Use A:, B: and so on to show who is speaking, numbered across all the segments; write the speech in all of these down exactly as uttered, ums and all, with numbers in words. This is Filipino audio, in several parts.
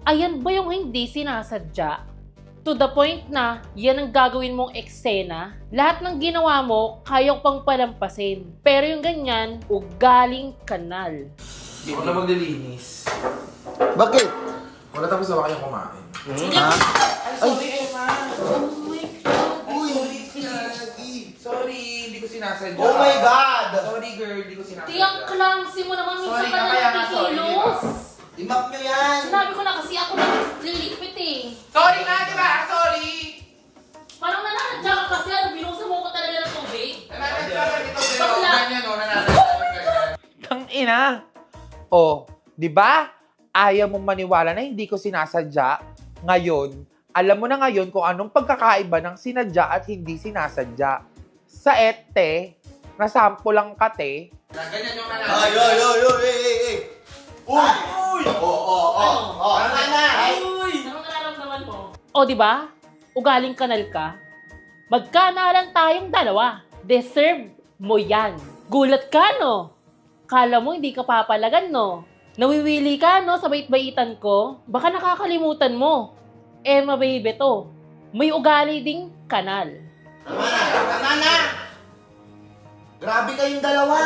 A: Ayan ba yung hindi sinasadya? To the point na yan ang gagawin mong eksena, lahat ng ginawa mo, kaya ko pang palampasin. Pero yung ganyan, ugaling kanal.
B: Hindi ko na maglilinis.
C: Bakit?
B: Wala tapos na ba kayong kumain?
C: Ha?
B: Ay, sorry, Emma.
A: Oh my God!
B: Ay, sorry, sorry. Sorry, hindi ko sinasadya.
C: Oh my God!
B: Sorry, girl, hindi ko sinasadya.
A: Tiyang clumsy mo naman, minsan
B: Sorry
A: ka
B: ka,
A: na
B: kaya nga, sorry,
A: nakikilos.
C: Imap nyo yan!
A: Sinabi ko na kasi ako naglilipit eh.
B: Sorry nga, di ba? Sorry!
A: Parang nananadya ka kasi ano, binusa mo ko talaga ng tubig.
B: Nananadya ka nito, pero
A: Bakla.
B: ganyan, no? Nananadya ka ganyan.
D: Tang ina. Oh, 'di ba? Ayaw mong maniwala na hindi ko sinasadya. Ngayon, alam mo na ngayon kung anong pagkakaiba ng sinadya at hindi sinasadya. Sa ete, nasampo lang kate.
B: Ganyan yung
C: Ay,
B: nananadya.
C: ay, ay, ay, ay, ay, ay! Uy! Uy! Oo, oo, oo! Oo, tama na! Ay!
A: Anong nararamdaman mo? O, di ba? Ugaling kanal ka. Magkanalan tayong dalawa. Deserve mo yan. Gulat ka, no? Kala mo hindi ka papalagan, no? Nawiwili ka, no, sa bait-baitan ko? Baka nakakalimutan mo. Emma, baby to. May ugali ding kanal.
C: Tama na! Tama na! Grabe kayong dalawa!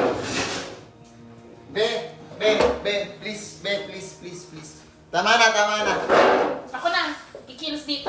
C: Be, be, be, please, be, please, please, please. Tama na, tama na.
A: Ako na. Ikilos dito.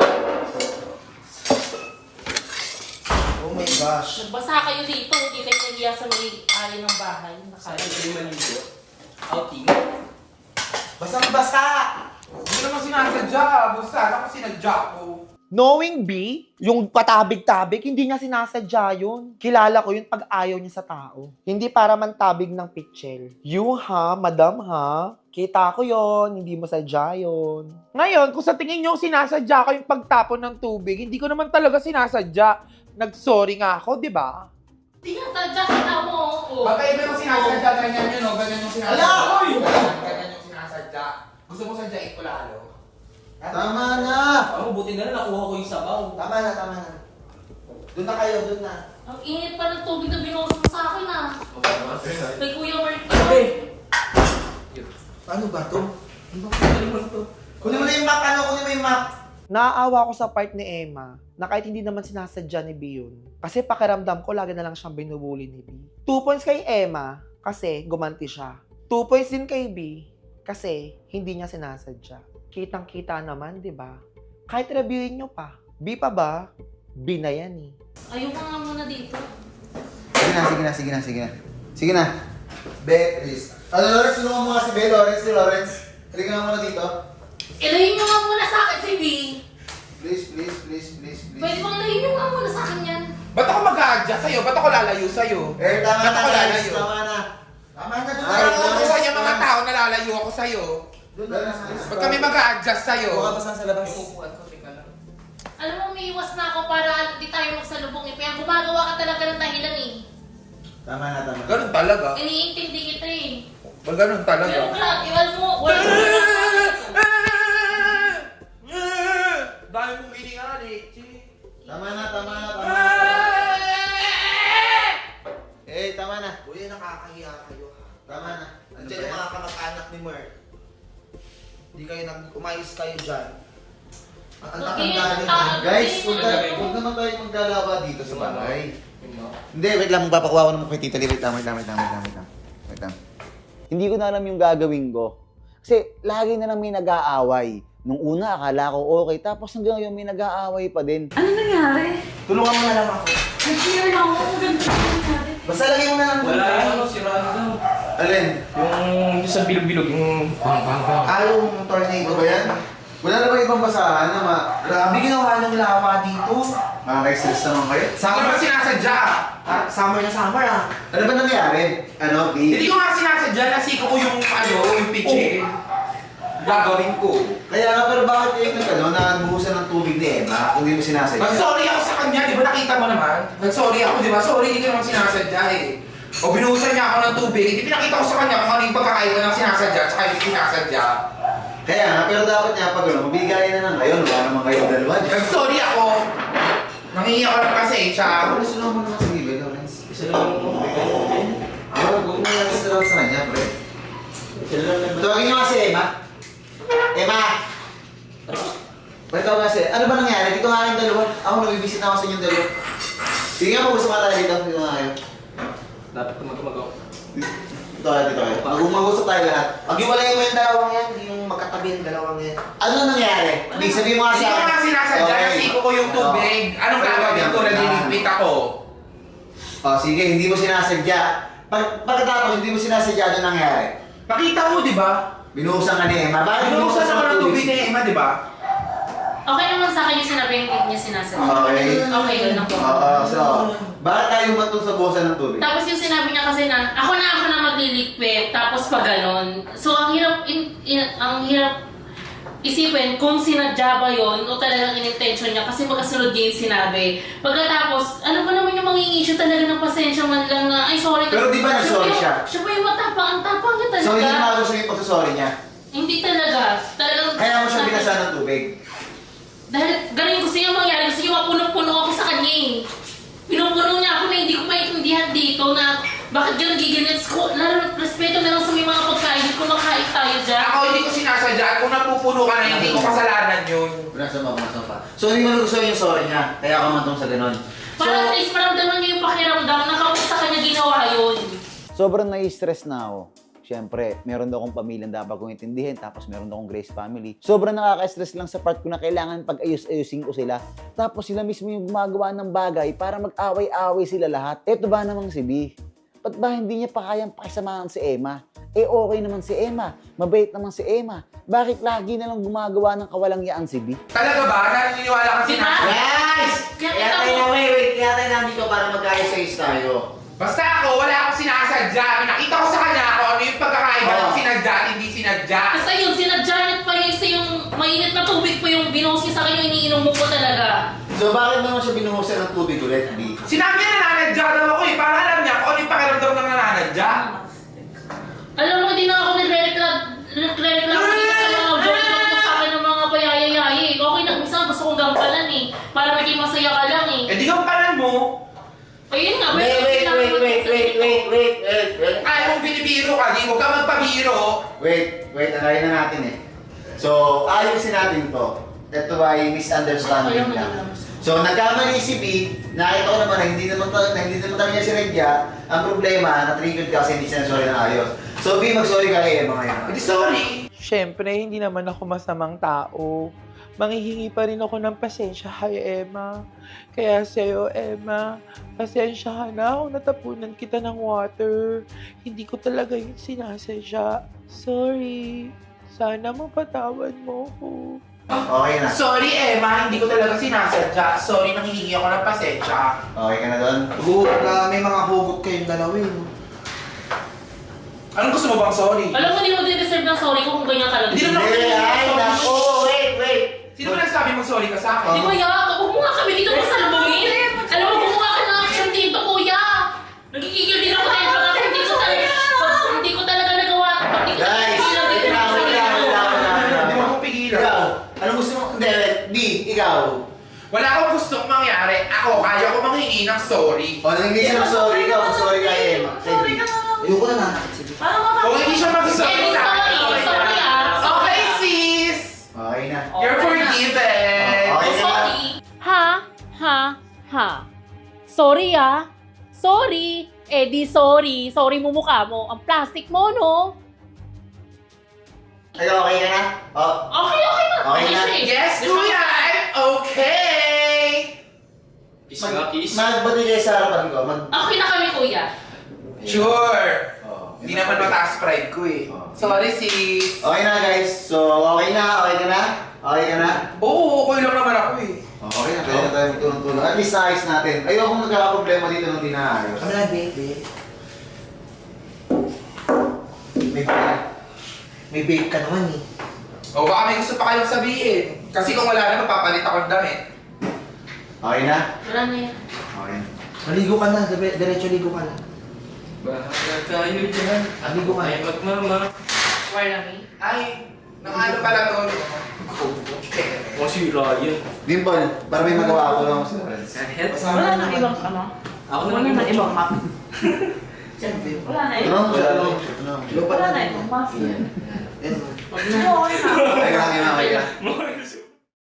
C: Oh my gosh.
A: Nagbasa kayo dito. Hindi kayo nagiya sa may ari ng bahay. Nakaya.
B: Outing.
C: Basang-basa!
B: Hindi ko naman sinasadya. Basta, ako sinadya ko.
D: Knowing B, yung patabig-tabig, hindi niya sinasadya yun. Kilala ko yun pag ayaw niya sa tao. Hindi para mantabig ng pitchel. You ha, madam ha, kita ko yon, hindi mo sadya yun. Ngayon, kung sa tingin niyo sinasadya ko yung pagtapon ng tubig, hindi ko naman talaga sinasadya. Nag-sorry nga ako, di ba?
A: Tinatadya kita mo. Oh.
B: Baka iba yung sinasadya, ganyan yun, no? Ganyan yung sinasadya.
C: Ala! Uy!
B: Ganyan, ganyan yung sinasadya. Gusto mo sadyain ko lalo?
C: Tama na!
E: Ako, buti na lang nakuha ko yung sabaw.
C: Tama na, tama na. Doon na kayo, doon na.
A: Ang init pa ng tubig na binuhos mo sa akin ah. Kay Kuya Mark.
E: Ate!
C: Paano ba to?
E: Ano ba kalimutan to?
C: Kunin mo na yung map, ano? Kunin mo yung map.
D: Naaawa ko sa part ni Emma na kahit hindi naman sinasadya ni B yun. Kasi pakiramdam ko lagi na lang siyang binubuli ni B. Two points kay Emma kasi gumanti siya. Two points din kay B kasi hindi niya sinasadya. Kitang-kita naman, di ba? Kahit reviewin nyo pa. B pa ba? B na yan eh.
A: Ayoko nga muna dito.
C: Sige na, sige na, sige na, sige na. Sige na. Be, please. Ano, Lawrence, tulungan mo nga si Be. Lawrence, si Lawrence. Halika nga muna dito.
A: Ilayin nyo nga muna sa akin si B.
C: Please, please, please, please, please.
A: Pwede bang ilayin nyo nga muna sa akin yan?
B: Ba't ako mag-a-adjust sa'yo? Ba't ako lalayo sa'yo?
C: Eh, tama
B: Ba't
C: na,
B: ako
C: guys.
B: lalayo?
C: Tama na. Tama na, doon na.
B: Parang utusan yung mga tao na lalayo ako sa'yo.
C: Doon na, please.
B: Ba't kami mag-a-adjust sa'yo?
C: Buka basta sa labas.
E: Upuan ko, teka lang.
A: Alam mo, umiiwas na ako para hindi tayo magsalubong eh. Kaya gumagawa ka talaga ng dahilan eh.
C: Tama na, tama na.
B: Ganun talaga.
A: Iniintindi kita eh.
B: Ba ganun talaga?
A: Pero Clark, iwan mo. Wala mo na.
B: Dahil mong hiningali.
C: Tama na, tama na, tama na. Eh, tama na.
B: Uy, nakakahiya kayo.
C: Tama na. Andiyan yung mga kamag-anak ni Merk. Hindi kayo nag umayos kayo dyan. Ang
A: Okay,
C: tanda nyo.
A: ah,
C: Guys,
A: okay,
C: huwag
A: okay.
C: tayo- huwag naman tayo maglalawa dito sa bahay. Hindi, wait lang. Magpapakuha ko naman kay Tita Lee. Wait lang, wait lang, wait lang, wait lang, wait lang. Wait lang.
F: Hindi ko na alam yung gagawin ko. Kasi lagi na lang may nag-aaway. Nung una, akala ko okay. Tapos hanggang ngayon may nag-aaway pa din.
G: Ano nangyari?
C: Tulungan mo na lang ako.
G: Nag-clear na ako. Ang ganda na nangyari.
C: Basta lagay mo na lang.
E: Wala yung ano, siraan daw.
C: Alin?
E: Yung sa bilog-bilog, yung pang pang pang.
C: Ah, yung tornado ba yan? Wala na ba ibang basahan na ma... Grabe ginawa ng lawa dito. Makaka-stress naman kayo.
B: Hindi
C: Summer,
B: ba sinasadya?
C: ah, summer na summer ah. Ano ba nangyari? Ano,
B: Hindi
C: B?
B: ko nga sinasadya. Nasiko ko yung ano, yung pitchin. Gagawin ko.
C: Kaya nga, pero bakit yung nag-ano, nagbuhusan ng tubig ni Emma kung di mo sinasadya?
B: Nag-sorry ako sa kanya, di ba nakita mo naman? Nag-sorry ako, di ba? Sorry, hindi ko naman sinasadya eh. O binuhusan niya ako ng tubig, hindi pinakita ko sa kanya kung ano yung pagkakaiba ng sinasadya at saka yung sinasadya.
C: Kaya nga, pero dapat niya pag ano, mabigayan na lang kayo, wala naman kayong dalawa dyan.
B: Nag-sorry ako. Nangingi ako ng pasensya.
C: Ako na sunod mo naman sa Gibe, Lawrence.
E: Isa lang yung
C: Ako, huwag mo lang sa sa kanya, pre.
E: Isa lang yung
C: Tawagin niyo nga si Emma. Emma! Ikaw kasi, ano ba nangyari? Dito nga kayong dalawa. Ako nabibisit na ako sa inyong dalawa. Sige nga, mag-usap nga tayo dito. Dito nga kayo.
E: Dapat kumagawa.
C: Dito kayo, dito kayo. Mag- Mag-usap tayo lahat. Pag-iwalayin mo yung dalawang yan, yung magkatabi yung dalawang yan. Ano nangyari? Big, sabihin mo nga
B: Hindi
C: sa
B: ko
C: akin.
B: nga sinasadya,
C: Okay.
B: nasiko ko yung tubig. Anong gagawin ko? Nadiligpit ako.
C: Oh, sige, hindi mo sinasadya. Pag, pagkatapos, hindi mo sinasadya, ano nangyari?
B: Pakita mo, di ba?
C: Binuhusan ka ni Emma. Bakit
B: Binuhusan ako ng tubig ni Emma, di ba?
G: Okay naman sa akin yung sinabi yung hindi niya sinasabi.
C: Okay.
G: Okay, yun ako.
C: Oo, so, bakit tayo matong sa buhusan ng tubig?
G: Tapos yung sinabi niya kasi na, ako na ako na magliliquid, tapos pa ganon. So ang hirap, in, in, ang hirap isipin kung sinadya ba yun o talagang in-intention niya kasi magkasunod niya yung sinabi. Pagkatapos, ano ba naman yung maging issue talaga ng pasensya man lang na, ay sorry.
C: Pero di ba nag-sorry
G: pa yung-
C: siya?
G: Siya pa yung matapang, ang tapang niya talaga.
C: So, hindi na gusto yung pagsasorry niya.
G: Hindi talaga. Talagang,
C: Kaya mo siya binasa ng tubig.
G: Dahil ganun gusto niya mangyari, gusto niya mapunong-puno ako sa kanya eh. Pinupuno niya ako na hindi ko maintindihan dito na bakit ganun giginits ko. Lalo, respeto na lang sa may mga pagkain, kumakain tayo dyan.
B: Ako hindi ko sinasadya. At kung napupuno ka na, hindi ko kasalanan yun.
C: Binasa mo, binasa pa. So, hindi mo nagustuhan yung sorry niya. Kaya ka matong sa ganun. So,
G: Para at least maramdaman niya yung pakiramdam na kapag sa kanya ginawa yun.
F: Sobrang nai-stress na ako. Siyempre, meron daw akong pamilyang dapat kong intindihin, tapos meron daw akong Grace family. Sobrang nakaka-stress lang sa part ko na kailangan pag-ayos-ayusin ko sila. Tapos sila mismo yung gumagawa ng bagay para mag-away-away sila lahat. Eto ba namang si B? Ba't ba hindi niya pa kayang pakisamahan si Emma? Eh okay naman si Emma. Mabait naman si Emma. Bakit lagi na lang gumagawa ng kawalangyaan si B?
B: Talaga ba? Naniniwala ka
G: Diba?
B: sinasadya?
C: guys!
G: Kaya
C: Kaya
G: kita
C: tayo
G: mo-
C: na, wait, wait. Kaya tayo nandito para mag-ayos-ayos tayo.
B: Basta ako, wala akong sinasadya. Pinakita ko sa kanya kung ano yung pagkakaiba ng
C: Oh.
B: sinadya at hindi sinadya.
G: Kasi yun, sinadya niya pa yun sa yung mainit na tubig pa yung binuhos niya sa kanya, yung iniinom mo po talaga.
C: So, bakit mo naman siya binuhusan ng tubig ulit, B?
B: Sinabi niya nananadya daw ako eh. Para alam niya kung ano yung pakiramdam ng nananadya.
G: Alam mo, hindi na ako nagre-reklamo nagre-reklamo dito sa mga joke-joke ko sa akin ng mga payayayay. Okay na, minsan gusto kong gampalan eh. Para maging masaya ka lang eh.
B: Eh di kang panan mo.
G: Ayun nga,
C: Wait, wait, wait, wait, wait, wait, wait, wait, wait.
B: Ayaw mong binibiro ka, di mo ka magpabiro.
C: Wait, wait, alayin na natin eh. So, ayusin natin to. Ito ay misunderstanding
G: Ayaw,
C: lang.
G: ayaw.
C: So, nagkamali si B, nakita ko naman na hindi naman, ta- na hindi naman talaga niya si Regya. Ang problema, na-triggered ka kasi hindi siya sorry ng ayos. So, B, mag-sorry ka kay Emma ngayon.
B: Hindi sorry.
D: Siyempre, hindi naman ako masamang tao. Manghihingi pa rin ako ng pasensya kay Emma. Kaya sa'yo, Emma, pasensya ka na kung natapunan kita ng water. Hindi ko talaga yun sinasadya. Sorry. Sana mapatawad mo ko.
C: Okay na.
B: Sorry Emma, hindi ko talaga sinasadya. Sorry, nanghihingi ako ng pasensya.
C: Okay ka na doon?
D: Hugot na may mga hugot kayong dalawin.
B: Anong gusto mo bang sorry?
G: Alam mo, hindi mo din deserve ng sorry ko kung ganyan ka lang.
B: Hindi naman ako
C: Hindi, ay,
B: sorry.
C: naku, wait, wait.
B: Sino ba nagsabi mong sorry ka sa akin?
G: Di ba, ya? Huwag mo nga kami dito masalubungin. Alam mo, gumawa ka ng action dito, kuya. Nagkikigil din ako dahil pag hindi ko talaga, pag hindi ko talaga nagawa, pag hindi ko talaga
C: Guys,
G: pigilan
C: wait
G: dito
C: lang,
G: sa
C: wait lang,
G: sarili
C: wait
G: ko.
C: lang, wait lang, wait lang.
B: Hindi mo ako pigilan.
C: Ikaw, anong gusto mo? Hindi, B, ikaw.
B: Wala akong gustong mangyari. Ako, kaya ko manghingi ng sorry.
C: O, hindi siya mag-sorry, ikaw mag-sorry kay Emma.
G: Sorry ka na.
C: Ayoko na na. Sige.
G: Para mapapagod.
B: Kung hindi siya mag-sorry
G: Eh,
B: sa akin,
G: sorry,
B: okay
G: sorry,
B: na.
G: ah.
B: Okay, sis!
C: Okay na.
B: You're forgiven.
C: Okay na.
G: Sorry.
A: Ha? Ha? Ha? Sorry ah. Sorry. Eh di sorry. Sorry mo mukha mo. Ang plastic mo, no?
C: Ay, okay ka na? Oh,
G: Okay, okay na.
C: Okay na.
G: siya eh.
B: Yes, kuya, I'm okay.
E: Kiss nga, kiss.
C: magbati kayo sa harapan ko. Mag...
G: Okay na kami, kuya.
B: Sure.
C: Oh,
B: Hindi naman mataas pride ko eh.
C: Oh.
B: Sorry, sis.
C: Okay na, guys. So, okay na, okay ka na? Okay ka na?
B: Oo, okay lang naman ako eh.
C: Oh, okay na, pwede na tayo magtulong-tulong. At least naayos natin. Ayoko magkakaproblema dito nung di naayos.
B: Kami na, baby.
C: May babe. May babe ka naman eh.
B: O baka may gusto pa kayong sabihin. Kasi kung wala na, mapapalit akong damit.
C: Okay na?
G: Wala na yan.
C: Okay. Maligo ka na, dire- diretso ligo ka na.
E: Bahala tayo dyan.
C: Maligo ka
E: Ay,
C: na.
E: magmama.
G: Wala na yan.
B: Ay, nangano pala to.
E: O si Ryan.
C: Dimple, para may magawa ako lang sa friends.
E: Kahit.
G: Wala na ibang ano.
E: Ako
G: Wala na ibang map.
C: Siyempre.
G: Wala na
C: Ito
G: ibang
C: lang,
G: map.
C: ito lang. Ito lang.
G: Wala na ibang map.
C: Yan. Yan.
G: Okay na.
C: Okay lang, yun, okay lang.